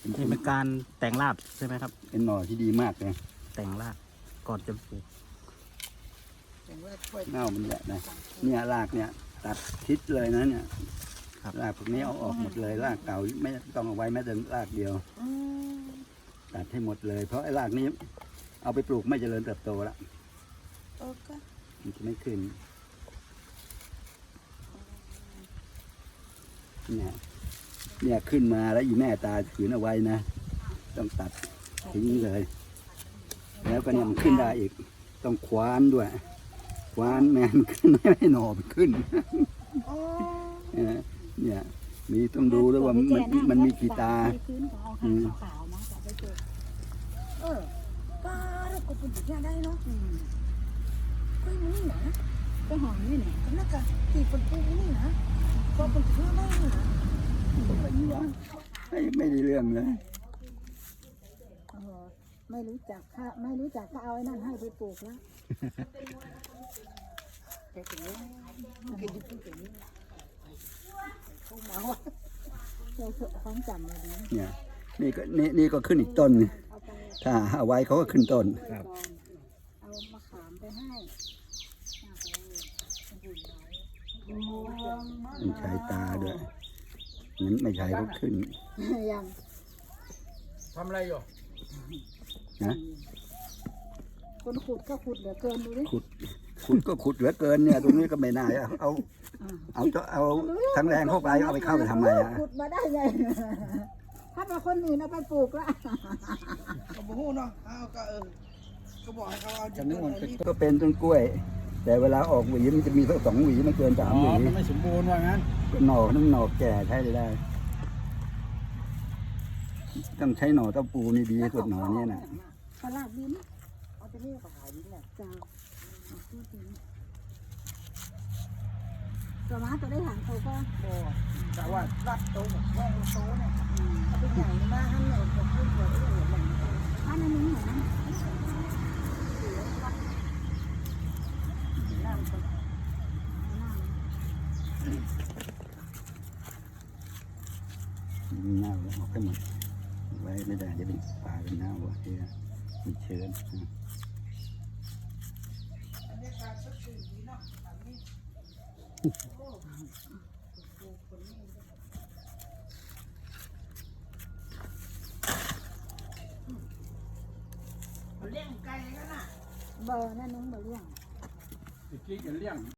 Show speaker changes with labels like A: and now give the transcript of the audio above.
A: นี่เป็นการแต่งรากใช่ไหมครับ
B: เป็นหน่อที่ดีมากเลย
A: แต่งรากก่อนจะปลูก
B: เน่ามันแหละนะเนี่ยรากเนี่ยตัดทิศเลยนะเนี่ยรากพวกนี้เอาออกหมดเลยรากเก่าไม่ต้องเอาไว้แม้แต่รากเดียวตัดให้หมดเลยเพราะไอ้รากนี้เอาไปปลูกไม่เจริญเติบโตแล้วมันจะไม่ขึ้นเนี่ยขึ้นมาแล้วอีแม่ตาขืนเอาไว้นะต้องตัดทิ้งเลยแล้วก็เนี่ยมันขึ้นได้อีกต้องคว้านด้วยคว้านแมนขึ้นไม่ให้หน่อมันขึ้นเนี่ยมีต้องดูด้วยว่ามันมีกี่ตา
C: ป้าเราก็เป็นอย่างได้เนาะก็มันนี่นะก็หอมนี่แหละก็น่าจะตีคนปูนี่นะก็เป็นเพื่อนได้นะ
B: ไม่ได้เรื่องเลย
C: ไม่รู้จักค่ะไม่รู้จักก็เอาไอ้นั่นให้ไปปลูกแล้วแต่ถึงนี้กินดิบกินนี้เขาเมาเราเถอะความจำเลย
B: เนี่ยนี่ก็ขึ้นอีกต้นถ้าเอาไว้เขาก็ขึ้นต้น
C: เอามะขามไปให้
B: มันใช้ตาด้วยนั้นไม่ใช้ก็ขึ้น
C: ยัง
D: ทำอะไรอยู่
B: นะ
C: คนขุดก็ขุดเหลือเกินดูดิ
B: ขุดก็ขุดเหลือเกินเนี่ยตรงนี้ก็ไม่น่าเอาทั้งแรงเข้าไปเอาไปเข้าไปทำไมอ่ะ
C: ขุดมาได้ไงถ้าเป็นคนอื่นเอาไปปลูกละ
D: ก็บอกเนาะก็บอกให้เขาเอาจะนึก
B: ก็เป็นต้นกล้วยแต่เวลาออกหวีมันจะมีสัก2 หวีไม่เกิน3 หวี
D: มันไม่สมบูรณ์ว่างั้น
B: หน่อน้ำหน่อแก่ใช้ได้ต้องใช้หน่อเต้าปูนี่ดีสุดหน่อเนี่ยนะ
C: ตลาดดินเอาไปเรียกกับขายดินแหละจ้าตัวม้าตัวได้หางโตก็
D: แต่ว่ารัดโตแบบแว่งโตเนี่ย
C: เอาไปใหญ่มากท่านเนี่ยผมพูดเลยว่าอย่างไรท่านนี้เหรอ
B: เน่าแล้วออกไปหมดไว้ไม่ได้จะเป็นปลาเป็นเน่าว่ะที่มีเชื้อ
D: เลี้ยงไก่กันน่ะ
C: เบอร์นั่นนุ้งเบอร์เลี้ยง
D: ตะกี้จะเลี้ยง